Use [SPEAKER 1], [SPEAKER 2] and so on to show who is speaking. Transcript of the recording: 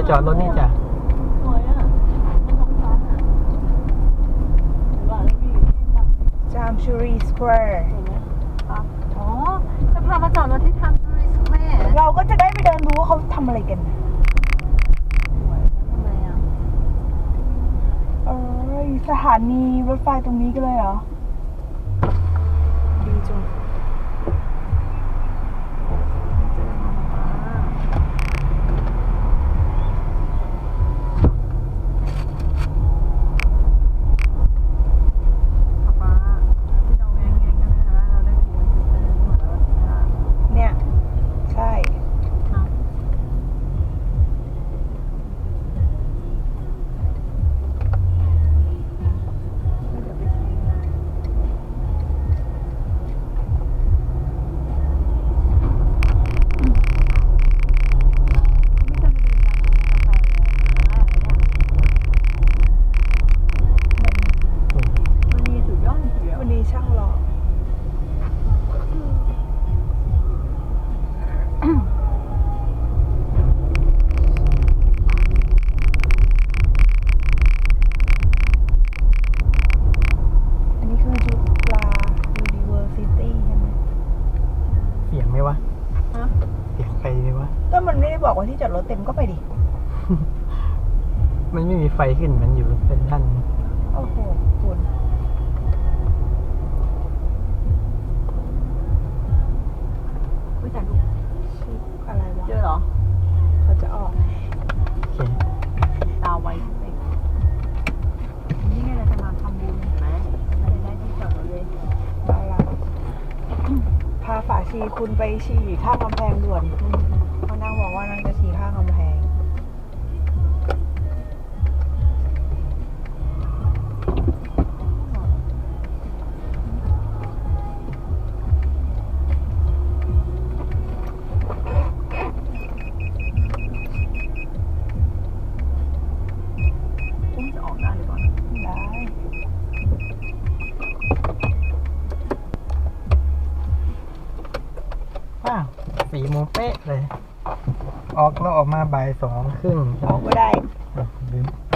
[SPEAKER 1] จอดรถนี่จ้ะ
[SPEAKER 2] สวยอ่ะมันท้องฟ้าอ่ะหรือว่าแล้วมีที่แบบ
[SPEAKER 3] จามชูรีสแควร์
[SPEAKER 2] เห็นไหมครับอ๋อจะพามาจอดรถที่ทำทูริสแควร์
[SPEAKER 3] เราก็จะได้ไปเดินดูว่าเขาทำอะไรกัน
[SPEAKER 2] สวยแล้วทำไมอ่ะ
[SPEAKER 3] สถานีรถไฟตรงนี้กันเลยเหรอ ดีจัง
[SPEAKER 2] เจอมาป๊าป๊าที่เราแงงๆกันนะคะเราได้คุยกันไปหมดแล้วค่ะ
[SPEAKER 3] เนี่ย ใช่
[SPEAKER 2] เนาะเดี๋ยวไปชิมนะไม่จำเป็นต้องกินกาแฟมันมีสุดยอดจริงๆ
[SPEAKER 3] วันนี้ช่างหล่ออันนี้คือจุฬา University ใช่ไหม
[SPEAKER 1] เสียงไหมวะ
[SPEAKER 2] ฮะ
[SPEAKER 1] เสียงใครไหมวะ
[SPEAKER 3] ก็มันไม่ได้บอกว่าที่จอดรถเต็มก็ไปดิ
[SPEAKER 1] มันไม่มีไฟขึ้นมันอยู่เป็นท่าน
[SPEAKER 3] โอ้โหคุณ
[SPEAKER 2] ไม่ถ่ายรูป
[SPEAKER 3] ชื่ออะไรวะ
[SPEAKER 2] เจอเหรอ
[SPEAKER 3] เขาจะออก
[SPEAKER 1] โอเค
[SPEAKER 2] ตาไวเด็กนี่ไงเราจะมาทำบุญเห็นไหมเราจะได้ที่จอดรถเลย
[SPEAKER 3] บาลาพาฝาชีคุณไปฉี่ข้างกำแพงด่วนเพราะนางบอกว่านางจะฉี่ข้างกำแพง
[SPEAKER 2] อุ้มจะออกได้หรือเปล่า
[SPEAKER 3] ได้
[SPEAKER 1] ว้าว4 โมงเป๊ะเลย ออกแล้วออกมาบ่าย 2 ครึ่ง
[SPEAKER 3] ออกก็ได้
[SPEAKER 1] ลืม